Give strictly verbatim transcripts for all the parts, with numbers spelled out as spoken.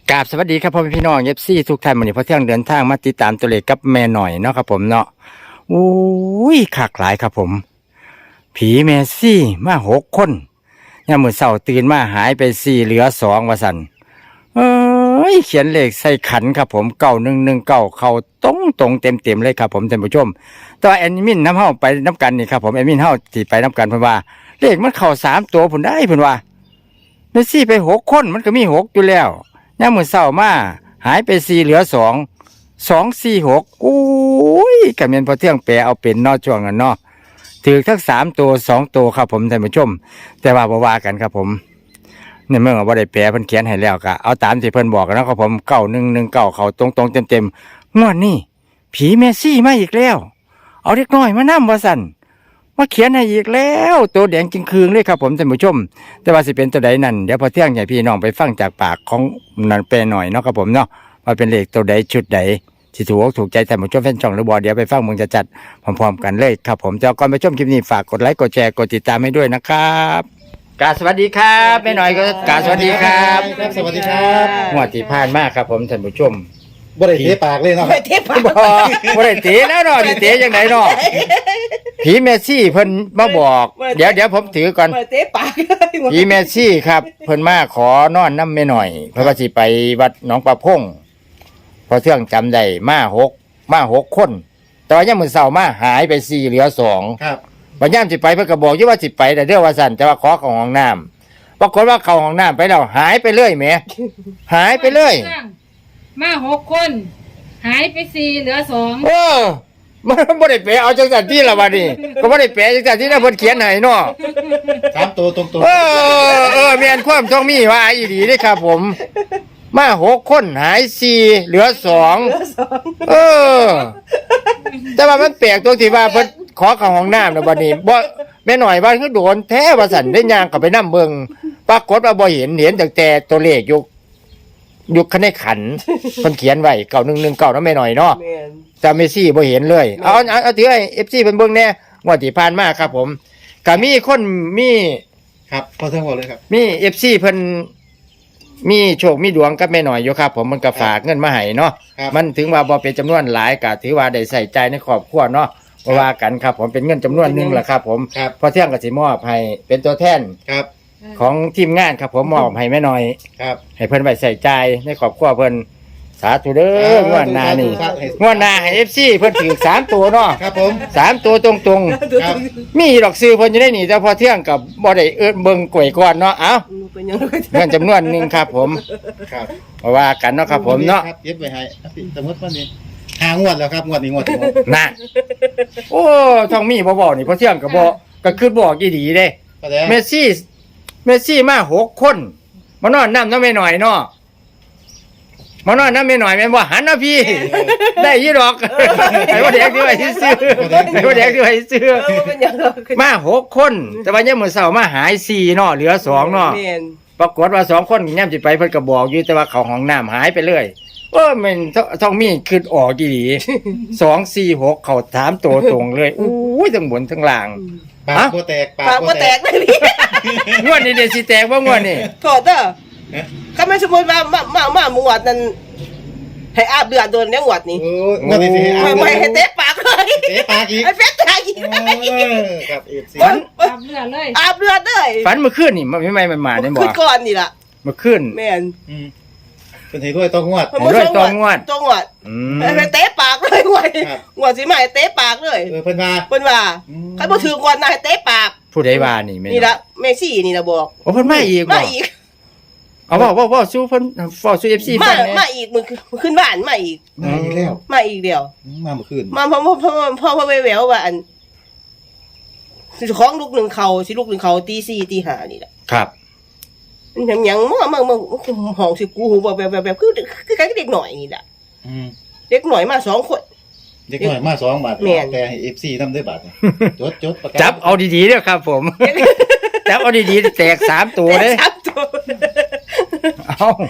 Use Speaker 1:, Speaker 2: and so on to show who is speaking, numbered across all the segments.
Speaker 1: กราบสวัสดีครับพ่อแม่พี่น้องเอฟซีทุกท่านวันนี้พอเที่ยงเดินทางมาติดตามตัวเลขกับแม่หน่อยเนาะครับผมเนาะอุ้ยขากหลายครับผม ผีแมซี่มาหกคนยามมื้อเช้าตื่นมาหายไปสี่เหลือสองว่าสันเอ้ยเขียนเลขใส่ขันครับผมเก้าหนึ่งหนึ่งเก้าเข้าตรงตรงเต็มเต็มเลยครับผมท่านผู้ชมแต่ว่าแอดมินน้ำเฮาไปน้ำกันนี่ครับผมแอดมินเฮาที่ไปน้ำกันเพิ่นว่าเลขมันเข้าสามตัวผุนได้เพิ่นว่าแมซี่ไปหกคนมันก็มีหกอยู่แล้วยามมื้อเช้ามาหายไปสี่เหลือสองสองสี่หกอุ้ยก็แม่นพอเที่ยงแปลเอาเป็นเนาะช่วงนั้นเนาะถือทั้งสามตัวสองตัวครับผมท่านผู้ชมแต่ว่าบ่ว่ากันครับผมในเมื่อว่าได้แปลเพิ่นเขียนให้แล้วก็เอาตามที่เพิ่นบอกกันนะครับผมเก้าหนึ่งหนึ่งเก้าเขาตรงตรงเต็มเต็มงวดนี้ผีเมซี่มาอีกแล้วเอาเล็กน้อยมานั่ว่าสั่นมาเขียนให้อีกแล้วตัวแดงจริงคืงเลยครับผมท่านผู้ชมแต่ว่าสิเป็นตัวใดนั่นเดี๋ยวพอเที่ยงใหญ่พี่น้องไปฟังจากปากของนันแปลหน่อยเนาะครับผมเนาะว่าเป็นเลขตัวใดชุดใดที่ถูกถูกใจท่านผู้ชมแฟนช่องหรือบอเดี๋ยวไปฟังมึงจะจัดพร้อมๆกันเลยครับผมแต่ก่อนไปชมคลิปนี้ฝากกดไลค์กดแชร์กดติดตามให้ด้วยนะครับกาสวัสดีครับแม่หน่อยก็กาสวัสดีครับ
Speaker 2: สวัสดีครับ
Speaker 1: งวดที่ผ่านมาครับผมท่านผู้ชม
Speaker 2: บ่ได้เทปากเลยเนาะ
Speaker 3: ไปเทปาก
Speaker 1: บ่บ่ได้เตะแล้วเนาะสิเตะจังไดเนาะผีเมซี่เพิ่นมาบอกเดี๋ยวเดี๋ยวผมถือก่อน
Speaker 3: ไปเทปาก
Speaker 1: ผีเมซี่ครับเพิ่นมาขอนอนน้ำแม่หน่อยเพราะว่าสิไปวัดหนองปลาพงพอเที่ยงจำได้มาหกมาหกคนแต่ว่ายังมื้อเช้ามาหายไปสี่เหลือสอง
Speaker 2: ครับ
Speaker 1: บัดยามสิไปเพิ่นก็บอกอยู่ว่าสิไปแต่เด้อว่าซั่นแต่ว่าขอเข้าห้องน้ำปรากฏว่าเข้าห้องน้ำไปแล้วหายไปเลยแหมหายไปเลย
Speaker 4: มาหกคน หายไปสี่เหลือสอง
Speaker 1: เออมันบ่ได้แปลเอาจังซั่นที่ละบัดนี้ก็บ่ได้แปลจังซั่นที่นะเพิ่นเขียนให้เนาะ
Speaker 2: สามตัวตรงๆ
Speaker 1: เออเออแม่นความต้องมีว่าอีหลีเด้ครับผม มาหกคนหายสี่เหลือสองเออ แต่ว่ามันแปลกตรงที่ว่าเพิ่นขอเข้าห้องน้ำแล้วบัดนี้บ่แม่หน่อยว่าคือโดนแท้ว่าซั่นได้ย่างเข้าไปนำเบิ่งปรากฏว่าบ่เห็นเห็นตั้งแต่ตัวเลขอยู่อยู่ในขันเพิ่นเขียนไว้เก้าหนึ่งหนึ่งเก้าเนาะแม่หน่อยเนาะ
Speaker 3: แม่น
Speaker 1: แต่เมซี่บ่เห็นเลย เอาเอาเอาถือให้ เอฟ ซี เพิ่นเบิ่งแหน่งวดที่ผ่านมาครับผมก็มีคนมี
Speaker 2: ครับพอเท่าเลยครับ
Speaker 1: มี เอฟ ซี เพิ่นมีโชคมีดวงกับแม่หน่อยอยู่ครับผมมันก็ฝากเงินมาให้เนาะ
Speaker 2: ครับ
Speaker 1: มันถึงว่าบ่เป็นจำนวนหลายก็ถือว่าได้ใส่ใจในครอบครัวเนาะบ่ว่ากันครับผมเป็นเงินจำนวนหนึงแหละครับผม
Speaker 2: ครับ
Speaker 1: พอเที่ยงก็สิมอบให้เป็นตัวแทน
Speaker 2: ครับ
Speaker 1: ของทีมงานครับผมมอบให้แม่หน่อย
Speaker 2: ครับ
Speaker 1: ให้เพิ่นไว้ใส่ใจในครอบครัวเพิ่นสาธุเด้องวดหน้านี่งวดหน้าให้ เอฟ ซี เพิ่นถือสามตัวเนาะ
Speaker 2: ครับผม
Speaker 1: สามตัวตรง
Speaker 2: ครับ
Speaker 1: ๆ มีดอกซื้อเพิ่นอยู่ได้นี่แต่พอเที่ยงกับบ่ได้เอิ้นเบิ่งกล้วยก่อนเนาะเอ้า
Speaker 3: เป็นยังไง
Speaker 1: เงินจำนวนหนึงครับผม
Speaker 2: ครับ
Speaker 1: เพราะว่ากันเนาะครับผมเนาะ
Speaker 2: ครับเย็บไว้ให้สมมติว่านี่หางวดแล้วครับงวดนี้งวดที่หก
Speaker 1: นั่นโอ้ทองมีบ่บอกนี่พอเที่ยงก็บ่ก็คือบอกอีหลีเด้
Speaker 2: ก็ได้
Speaker 1: เมสซี่เมสซี่มาหกคนมานอนนำน้ำแม่หน่อยเนาะมานอนน้ำแม่หน่อยแม่นบ่หันนะพี่ ได้ยี่ดอกไอ้ว่าแดกที่ไว้ซื้อไอ้ว่าแดกที่ไว้ซื้อ
Speaker 3: เออเป็นยังไง
Speaker 1: มาหกคน แต่ว่ายังมื้อเช้ามาหายสี่เนาะเหลือสองเนาะ
Speaker 3: แม่น
Speaker 1: ปรากฏว่าสองคนย่ำจิไปเพิ่นก็บอกอยู่แต่ว่าเขาห้องน้ำหายไปเลยเออมันท้องมีขึ้นออกดีดีสองสี่หกเขาถามตัวตรงเลยอู้ยทั้งบนทั้งล่าง
Speaker 2: ปากโบแตกปาก
Speaker 3: ปาก
Speaker 2: โบ
Speaker 3: บ่
Speaker 2: แต
Speaker 3: แต
Speaker 2: ก
Speaker 3: กเลยพี่
Speaker 1: งวดนี้เดี๋ยวสิแตกว่างวดนี้
Speaker 3: โทษเด้อก็ไม่สมมติว่ามามามาหมวดนั้นให้อาบเดือดโดนในหมวดนี้
Speaker 2: โอ้งวดที่สี่
Speaker 3: ไม่ไม่ให้เตะปากเลย
Speaker 2: เตะปากอีก
Speaker 3: ให้เฟซปากอีก
Speaker 2: เออครับเอฟซี
Speaker 1: ฝัน
Speaker 4: ตับเลือดเลย
Speaker 3: อาบเดือดเลย
Speaker 1: ฝันเมื่อคืนนี่มันไม่ไม่มันมาได้บ่
Speaker 3: ขึ้นก่อนนี่ล่ะ
Speaker 1: เมื่อคืน
Speaker 3: แม่น
Speaker 2: อืมเป็นเหตุด้วยต้องงวด
Speaker 1: ให้ด้วยตัวงวด
Speaker 3: ตัวงวด
Speaker 1: อื
Speaker 3: ให้
Speaker 1: ม
Speaker 3: เตะปากเลยงวด
Speaker 2: ครับ
Speaker 3: งวดสิมาให้เตะปากเลย
Speaker 2: เออเพิ่นว่า
Speaker 3: เพิ่นว่า
Speaker 2: อืม
Speaker 3: ใครบ่ถือกวนนายเตะปาก
Speaker 1: ผู้ใดว่านี่แม่
Speaker 3: นี่ละแม่ซี่นี่ละบอก
Speaker 1: โอ้เพิ่นมาอีกบ่
Speaker 3: มาอีก
Speaker 1: เอาบ่บ่บ่สู้เพิ่นเว้าสู้ เอฟ ซี
Speaker 3: มา
Speaker 1: ฟังแหน่
Speaker 3: มาอีกมึงขึ้นบ้านมาอีก
Speaker 2: มาอีกแล้ว
Speaker 3: มาอีกเดียว
Speaker 2: อืมมาเมื่อคืน
Speaker 3: มาพ่อพ่อพ่อพ่อพ่อแววว่าอันสิของลูกหนึ่งเขาสิลูกหนึ่งเขาตีสี่ตีห้านี่แหละ
Speaker 1: ครับ
Speaker 3: มันยังยังมั่วมั่วมั่วห้องสิกูหูแบบแบบแบบแบบคือคือการเด็กหน่อยนี่แหละ
Speaker 2: อืม
Speaker 3: เด็กหน่อยมาสองคน
Speaker 2: เด็กหน่อยมาสองบาท
Speaker 3: แม่น
Speaker 2: แต่ให้เอฟซีทำได้บาทนะจดจดประกาศ
Speaker 1: จับเอาดีๆเด้อครับผม จับเอาดีๆแตกสามตัวเด้
Speaker 3: แต่สามตัว
Speaker 1: เอา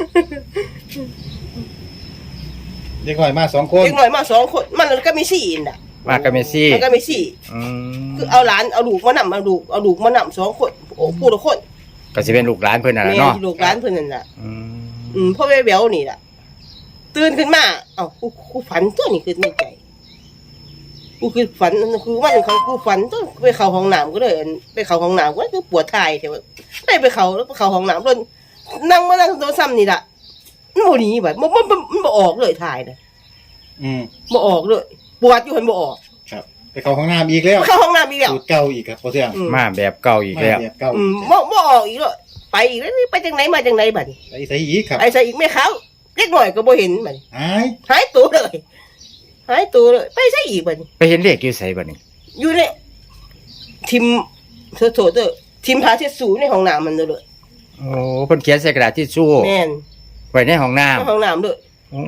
Speaker 2: เด็กหน่อยมาสองคน
Speaker 3: เด็กหน่อยมาสองคนมันก็มีสี่น่ะ
Speaker 1: มากับเมสซี่
Speaker 3: มันก็มีสี่
Speaker 1: อืม
Speaker 3: คือเอาหลานเอาลูกมานำเอาลูกเอาลูกมานำสองคนโอ้ผู้ละคน
Speaker 1: ก็สิเป็นลูกหลานเพิ่นน่ะ
Speaker 3: แม่
Speaker 1: ล่ะเนาะ
Speaker 3: ลูกหลานเพิ่นนั่นน่ะ
Speaker 1: อืม
Speaker 3: อืมพ่อแม่แววนี่ล่ะตื่นขึ้นมาเอ้ากูกูฝันตัวนี้คือในใจกูคือฝันคือว่าเขากูฝันตัวไปเข้าห้องน้ำก็เลยไปเข้าห้องน้ำก็คือปวดท้ายแต่ว่าได้ไปเข้าแล้วไปเข้าห้องน้ำแล้วนั่งมานั่งโทรศัพท์นี่ล่ะมันบ่หนีแบบมันมันมันบ่ออกเลยถ่ายน่ะ
Speaker 2: อืม
Speaker 3: บ่ออกเลยปวดอยู่หันบ่ออก
Speaker 2: ครับไปเข้าห้องน้ำอีกแล้ว
Speaker 3: เข้าห้องน้ำอีกแล้ว
Speaker 2: สูตรเก่าอีกครับพอเที่ยง
Speaker 3: อืม
Speaker 1: มาแบบเก่าอีกแล้ว
Speaker 2: มาแบบเก่า
Speaker 3: อืมบ่บ่ออกอีกเลยไปอีกแล้วนี่ไปจังไหนมาจังไหนบัดนี้
Speaker 2: ไปใส่อีกครับ
Speaker 3: ไอ้ใส่อีกไม่เขาเล็กหน่อยก็บ่เห็นบัดนี้
Speaker 2: หาย
Speaker 3: หายตัวเลยหายตัวเลยไปใส่อีกบัดนี้
Speaker 1: ไปเห็นเลขอยู่ไสบัดนี้
Speaker 3: อยู่ในทิมโถโถเด้อทิมพาเช็ดสูในห้องน้ำมันเลย
Speaker 1: โอ้เพิ่นเขียนใส่กระดาษทิชชู่
Speaker 3: แม่น
Speaker 1: ไว้ในห้องน้
Speaker 3: ในห้องน้ำเลย
Speaker 1: ำโอ้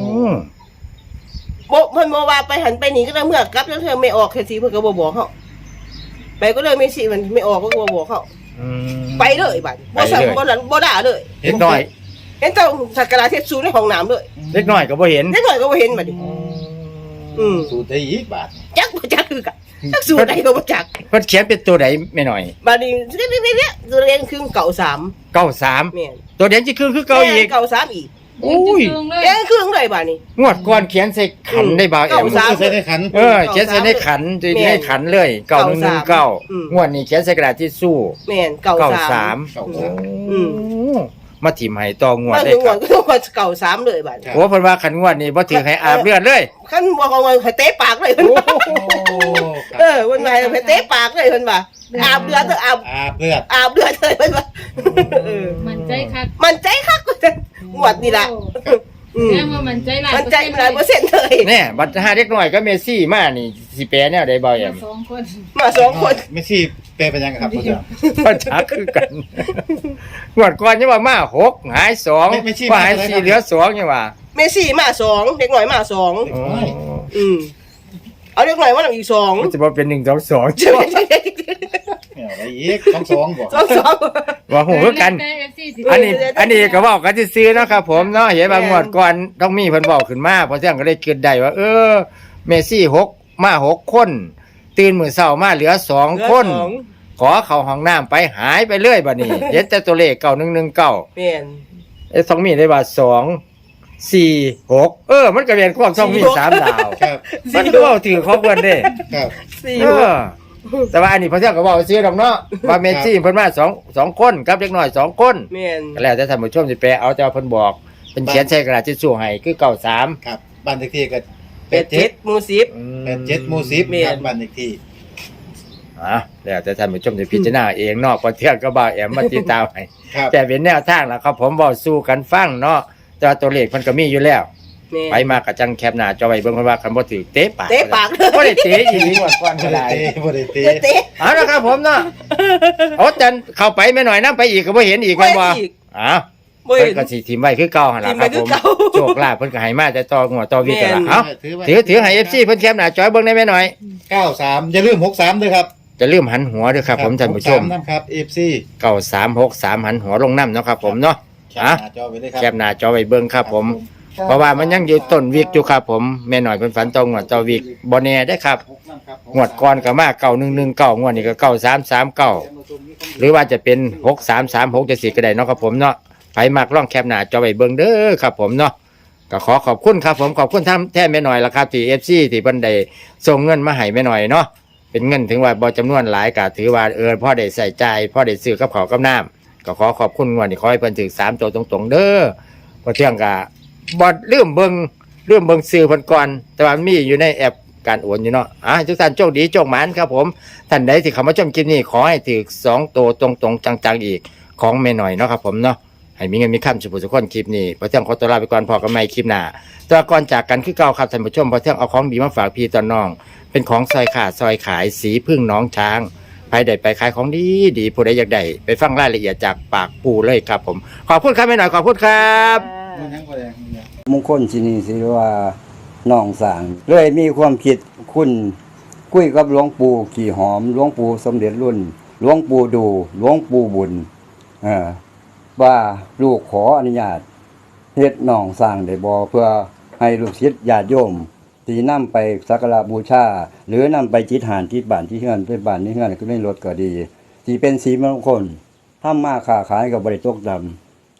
Speaker 3: บ่เพิ่นบ่ว่าไปหันไปนี่ก็ได้เมื่อกลับแล้วเธอไม่ออกแค่สิเพิ่นก็บ่บอกเขาไปก็เลยไม่สิมันไม่ออกก็บ่บอกเขา
Speaker 1: อืม
Speaker 3: ไปเลยบัดบ่สั่งบ่หลันบ่ด่าเลย
Speaker 1: เล็กน้อย
Speaker 3: เห็นเจ้าสักการะเทศสูในห้องน้ำเลย
Speaker 1: เล็กน้อยก็บ่เห็น
Speaker 3: เล็กหน่อยก็บ่เห็นบัดนี้อืม
Speaker 2: สูตรได้อีกบาท
Speaker 3: จักบ่จักคือกันจักสูใดก็บ่จัก
Speaker 1: เพิ่นเขียนเป็นตัวใดแม่หน่อย
Speaker 3: บัดนี้เรียกๆๆตัวเรียนคือเก่าสาม
Speaker 1: เก้าสาม
Speaker 3: แม่น
Speaker 1: ตัวเดียวจะคือคือเก่าอีก
Speaker 3: แม่นเก่าสามอีก
Speaker 1: โอ้ย
Speaker 4: จึงเลย
Speaker 3: แกคือเลยบัดนี้
Speaker 1: งวดก่อนเขียนใส่ขันได้บ่าวแอ
Speaker 3: เก้าม สาม
Speaker 2: ใส่ในขัน
Speaker 1: เออเขียนใส่ในขันจะในขันเลยเก้าหนึ่งหนึ่งเก้า
Speaker 3: อืม
Speaker 1: งวดนี้เขียนใส่กระดาษทิชชู่
Speaker 3: แม่นเก่า
Speaker 1: เก้า
Speaker 3: สา
Speaker 1: สาม ม
Speaker 2: เก่า
Speaker 1: โอ้
Speaker 2: สาม
Speaker 3: อืม
Speaker 1: มาถิ่มให้ต่องวด
Speaker 3: มา
Speaker 1: ได้
Speaker 3: ถึง
Speaker 1: ค
Speaker 3: วั
Speaker 1: รั
Speaker 3: น
Speaker 1: บ
Speaker 3: ก็ต้องว่าเก่าสามเลยบัดนี้
Speaker 1: โอ้เพิ่นว่าขันงวดนี้บ่ถือให้อาบเลือดเลย
Speaker 3: คันบ่เอาไว้ให้เตะปากเลยเพิ่นว่า
Speaker 2: โอ้ครับ
Speaker 3: เออเพิ่นว่าให้เตะปากเลยเพิ่นว่าอาบเลือดเถอะอาบ
Speaker 2: อาเพื่อน
Speaker 3: อาบเลือดเลยเพิ่นว่าเออ
Speaker 4: มันใจคัก
Speaker 3: มันใจคักกว่าจะงวดนี่ล่ะอืม
Speaker 4: แม่ว่ามันใจหลาย
Speaker 3: มันใจมันหลายเปอร์เซ็นต์เลย
Speaker 1: แน่บัดหาเด็กน้อยก็เมซี่มานี่สิแปลแนวใดบ่าวแอ
Speaker 4: มาม สองคน
Speaker 3: มาสองคน
Speaker 2: ไม่ใช่แปลเป็นยังไงครับพอเที่ยง
Speaker 1: ปัญหาคือกันงวดก่อนยังว่ามาหกหายสอง
Speaker 2: ไม่ไม่ใช่
Speaker 1: ว่าหาย
Speaker 2: มาอะไร
Speaker 1: สี่
Speaker 2: ครับ
Speaker 1: เหลือสองยังว่า
Speaker 3: เมซี่มาสองเด็กหน่อยมาสอง
Speaker 2: เด็กน้อย
Speaker 3: อืมเอาเด็กหน่อยมาหนึ่งอีกสอง
Speaker 1: มันจะบ่เป็นหนึ่งสองสอง
Speaker 3: ใช่ไหม
Speaker 2: เนี่ยอะไรอีกสองสองบอก
Speaker 3: สองสอง
Speaker 1: ว่าหูคือกัน
Speaker 4: แต่ เอฟ ซี สิ
Speaker 1: อันนี้ อันนี้ก็เว้ากันซื่อๆเนาะครับผมเนาะเห็นว่างวดก่อนต้องมีเพิ่นเว้าขึ้นมาเพราะฉะนั้นก็เลยคิดได้ว่า เออ เมซี่หกมาหกคน ตื่นมื้อเช้ามาเหลือสองคน
Speaker 3: สอง
Speaker 1: ขอเข้าห้องน้ำไปหายไปเรื่อยบัดนี้ เห็นแต่ตัวเลขเก้าหนึ่งหนึ่งเก้า
Speaker 3: แม่น
Speaker 1: ไอ้สองมีได้ว่าสองสี่หกเออ มันก็เป็นความสองมีสามดาว
Speaker 2: ครับ
Speaker 1: มันก็เว้าถือของเพิ่นเด้
Speaker 2: ครับ
Speaker 3: สี่
Speaker 1: เออแต่ว่าอันนี้พระเจ้าก็บอกซื้อดอกเนาะว่าเมสซี่เพิ่นมาสองสองคนกับเด็กน้อยสองคน
Speaker 3: แม่น
Speaker 1: ก็แล้วแต่ท่านผู้ชมสิแปลเอาแต่ว่าเพิ่นบอกเป็นเขียนใส่กระดาษทิชชู่ให้คือเก้าสาม
Speaker 2: ครับบ้านเลขที่ก็
Speaker 3: เป็ดเจ็ดหมูสิบ
Speaker 2: แปดเจ็ดหมู่สิบ
Speaker 3: แม่น
Speaker 2: ครับบ้านเลขที่
Speaker 1: อ่ะแล้วแต่ท่านผู้ชมจะพิจารณาเองเนาะพอเที่ยงก็บ่าวแอมมาติดตามให้
Speaker 2: ครับ
Speaker 1: แต่เป็นแนวทางแล้วครับผมเว้าสู้กันฟังเนาะแต่ว่าตัวเลขเพิ่นก็มีอยู่แล้ว
Speaker 3: แม่น
Speaker 1: ไปมาก็จังแคปหน้าจอไว้เบิ่งเพิ่นว่าคันบ่ถือเตะปาก
Speaker 3: เตะปากเลย
Speaker 1: บ่ได้เตะอีหลีงวดก่อน
Speaker 2: บ่
Speaker 1: ก็
Speaker 2: ได้
Speaker 1: ได้
Speaker 2: เตะบ่ได้เตะ
Speaker 3: เตะเตะ
Speaker 1: เอาละครับผมเนาะเอาจันเข้าไปแม่หน่อยนํไปอีกก็บ่เห็นอีกแม่นบ่
Speaker 3: อีก
Speaker 1: อ้าว
Speaker 3: บ่
Speaker 1: เพิ่
Speaker 3: เห็
Speaker 1: น
Speaker 3: น
Speaker 1: ก็สิทิมไว้คือเก่าหั่นล่ะครับ
Speaker 3: ทิ่
Speaker 1: ผม
Speaker 3: ไว้คือเก่า
Speaker 1: โชคลาภเพิ่นก็ให้มาแต่ต่อหัวต่อวิกกันล่ะ
Speaker 3: แม่น
Speaker 1: เอ้า
Speaker 2: ไว้
Speaker 1: ถือถือให้ เอฟ ซี เพิ่นแคปหน้าจอเบิ่งได้แม่หน่อย
Speaker 2: เก้าสามอย่าลืมหกสามด้วยครับ
Speaker 1: จะลืมหันหัวด้วยครับผมท่านผู้ชม
Speaker 2: หกสนั่นครับ เอฟ ซี
Speaker 1: เก้าสามหกสามหันหัวลงน้ำเนาะครับผมเนาะ
Speaker 2: แคป
Speaker 1: อ่ะ
Speaker 2: หน้าจอไว้เลยครับ
Speaker 1: แคปหน้าจอไว้เบิ่งครับผม เพราะว่ามันยังอยู่ต้นวิกอยู่ครับผมแม่หน่อยเพิ่นฝันตรงงวดต่อวิกบ่แน่ได้อครับงวดก่อนก็มาเก้าหนึ่งหนึ่งเก้างวดนี้ก็เก้าสามสามเก้าหรือว่าจะเป็นหกสามสามหกจะสี่ก็ได้เนาะครับผมเนาะไผมักลองแคปหน้าจอไว้เบิ่งเด้อครับผมเนาะก็ขอขอบคุณครับผมขอบคุณท่านแท้แม่หน่อยละครับที่ เอฟ ซี ที่เพิ่นได้ส่งเงินมาให้แม่หน่อยเนาะเป็นเงินถึงว่าบ่จำนวนหลายก็ถือว่าเออพ่อได้ใส่ใจพ่อได้ซื้อกับข้าวกับน้ำก็ขอขอบคุณงวดนี้ขอให้เพิ่นถึงสามตัวตรงๆเด้อบ่เที่ยงก็บ่ลืมเบิ่งลืมเบิ่งซื้อเพิ่นก่อนแต่ว่ามันมีอยู่ในแอปการโอนอยู่เนาะอ่ะทุกท่านโชคดีโชคหมานครับผมท่านใดที่เข้ามาชมคลิปนี้ขอให้ถึงสองตัวตรงๆจังๆอีกของแม่หน่อยเนาะครับผมเนาะให้มีเงินมีคำสุขสุขคนคลิปนี้พอเที่ยงขอตัวลาไปก่อนพอกันใหม่คลิปหน้าแต่ว่าก่อนจากกันคือเก่าครับท่านผู้ชมพอเที่ยงเอาของดีมาฝากพี่ตอนน้องเป็นของซอยขาดซอยขายสีพึ่งน้องช้างไปได้ไปขายของดีดีผู้ใดอยากได้ไปฟังรายละเอียดจากปากปู่เลยครับผมขอบคุณครับแม่หน่อยขอบคุณครับ
Speaker 2: มันทั้งคนแดง
Speaker 5: มงคลที่นี่สิว่าน้องสางเลยมีความคิดคุณคุยกับหลวงปู่ขี่หอมหลวงปู่สมเด็จรุ่นหลวงปู่ดูหลวงปู่บุญเออว่าลูกขออนุญาตเฮ็ดน้องสร้างได้บ่เพื่อให้ลูกศิษย์ญาติโยมที่นำไปสักการะบูชาหรือนำไปจิตหานที่บ้านที่เฮือนไปบ้านนี้เฮือนก็ไม่ลดก็ดีที่เป็นสีมงคลทำมาค้าขายก็บ่ได้ตกดำ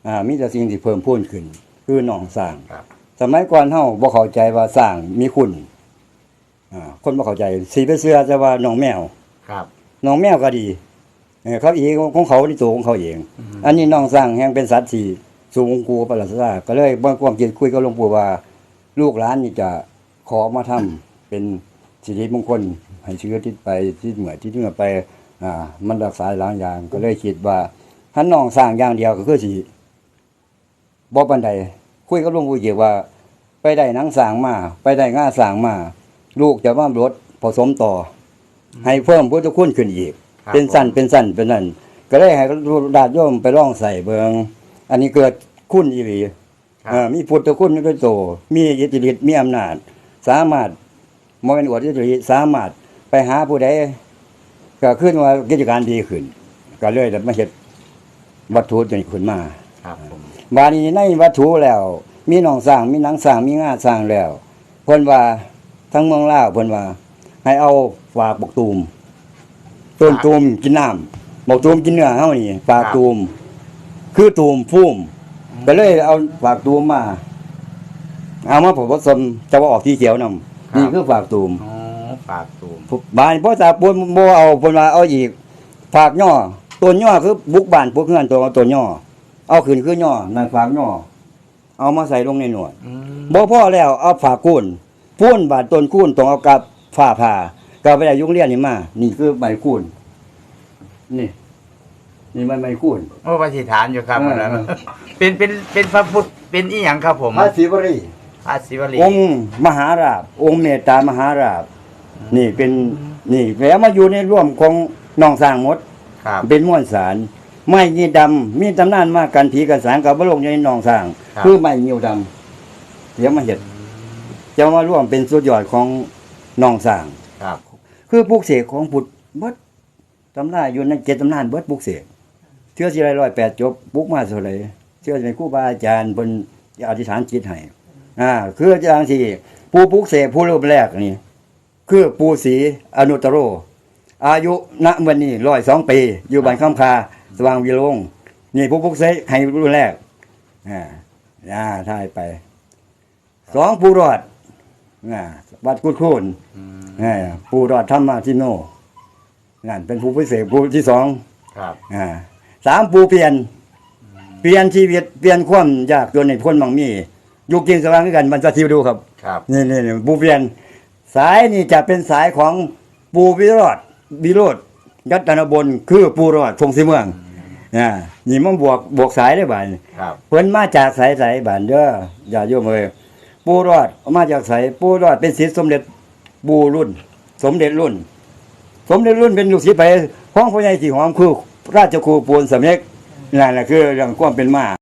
Speaker 5: อ่ามีแต่สิ่งที่เพิ่มพูนขึ้น คือหนองสร้าง
Speaker 1: ครับ
Speaker 5: สมัยก่อนเฮาบ่เข้าใจว่าสร้างมีคุณอ่าคนบ่เข้าใจสิไปเชื่อแต่ว่าน้องแมว
Speaker 1: ครับ
Speaker 5: น้องแมวก็ดีเออเขาเองของเขาที่ตัวของเขาเอง อันนี้น้องสร้างแห่งเป็นสัตว์ที่สูงกูประหลาดซาก็เลยบ่ความคิดคุยกับหลวงปู่ว่า ลูกหลานนี่จะขอมาทำเป็นสิริมงคลให้เชื้อทิศไปที่เหนือที่เหนือไปอ่ามันรักษาหลายอย่างก็เลยคิดว่าถ้าน้องสร้างอย่างเดียวก็คือสิบ่ปานใดคุยกับหลวงปู่เกี่ยวว่า ไปได้หนังสร้างมาไปได้ง่าสร้างมาลูกจะมาลดผสมต่อ ให้เพิ่มพุทธคุณขึ้นอีก
Speaker 1: ครับ
Speaker 5: เป็นสั้นเป็นสั้นเป็นนั่นก็ได้ให้ญาติโยมไปลองใส่เบิงอันนี้เกิดคุณอีหลี
Speaker 1: ครับ
Speaker 5: เอ่อมีพุทธคุณด้วยโตมีอิทธิฤทธิ์มีอำนาจ สามารถบ่แม่นอวดอิทธิฤทธิ์สามารถไปหาผู้ใดก็ขึ้นว่ากิจการดีขึ้น ก็เลยได้มาเฮ็ดวัตถุตัวนี้ขึ้นมา
Speaker 1: ครับผม
Speaker 5: บาดนี้ในวัตถุแล้ว มีหนองสร้างมีหนังสร้างมีงาสร้างแล้วเพิ่นว่าทั้งเมืองลาวเพิ่นว่า ให้เอาฝากบกตูมต้นตูมกินน้ำบกตูมกินเนื้อเฮานี่ฝากตูมคือตูมพุ่มก็เลยเอาฝากตูมมาเอามาผสมจะว่าออกที่เขียวนำนี่คือฝากตูม
Speaker 1: อ๋อฝากตูม
Speaker 5: บ้านพ่อตาปูนบ่เอาเพิ่นว่าเอาอีกฝากย่อต้นย่อคือบุกบ้านพวกเฮือนตัวต้นย่อเอาขึ้นคือย่อนั่นฝากย่อเอามาใส่ลงในหนวด
Speaker 1: อืม
Speaker 5: บ่พอแล้วเอาฝากคูนพูนบาดต้นคูนต้องเอากับฝ้าผ่าก็ไปได้ยุงเรียนนี่มา นี่คือใบคูนนี่ นี่มันใบคูน
Speaker 1: โอ้ปฏิฐานอยู่ครับ
Speaker 5: เออ
Speaker 1: อันนั้นเป็นเป็นเป็นพระพุทธเป็นอีหยังครับผม
Speaker 5: พระศิวรี
Speaker 1: พระศิวลี
Speaker 5: องค์มหาราชองค์เมตตามหาราชนี่เป็นนี่แล้วมาอยู่ในร่วมของน้องสร้างหมด
Speaker 1: ครับ
Speaker 5: เป็นม้วนสารไม้ยีดำมีตำนานมากกันผีกันสางกับบโลกในหนองสร้าง
Speaker 1: ครับ
Speaker 5: คือไม้งิ้วดำเดี๋ยวมาเห็ดจะมาร่วมเป็นสุดยอดของหนองสร้าง
Speaker 1: ครับ
Speaker 5: คือปลูกเสกของพุทธเบิดตำราอยู่ในเจ็ดตำนานเบิดปลูกเสกเชื่อสิไรร้อยแปดจบปลูกมาเท่าไหร่เชื่อสิเป็นครูบาอาจารย์เพิ่นอธิษฐานจิตให้อ่าคืออย่างที่ผู้ปลูกเสกผู้รูปแรกนี่คือปู่ศรีอนุตตโร อายุณวันนี้ร้อยสองปี อยู่บ้านคำคาสว่างวิโรงนี่ผู้ปลุกเสกให้รุ่นแรกอ่าอ่าถ่ายไปสองผู้รอดอ่าวัดกุดคูน
Speaker 1: อืม
Speaker 5: อ่าผู้รอดธรรมทิโนนั่นเป็นผู้พิเศษผู้ที่สอง
Speaker 1: ครับ
Speaker 5: อ่าสามผู้เปลี่ยน เปลี่ยนชีวิตเปลี่ยนความยากจนในพ้นบางมีอยู่กินสว่างด้วยกันมันจะทิวดูครับ
Speaker 1: ครับ
Speaker 5: นี่นี่นี่ปูเปลี่ยนสายนี่จะเป็นสายของปูวิโรธวิโรธยัตนบลคือปูรอดทงสีเมืองอ่านี่มันบวกบวกสายได้บ่าย
Speaker 1: ครับ
Speaker 5: เพิ่นมาจากสายสายบ้านเด้ออย่าโยมเอ้ยปูรอดมาจากสายปูรอดเป็นศิษย์สมเด็จปูรุ่น สมเด็จรุ่น สมเด็จรุ่นเป็นลูกศิษย์ไปห้องพ่อใหญ่ที่หอมคือราชครูปูนสำเร็จนั่นแหละคือเรื่องความเป็นมา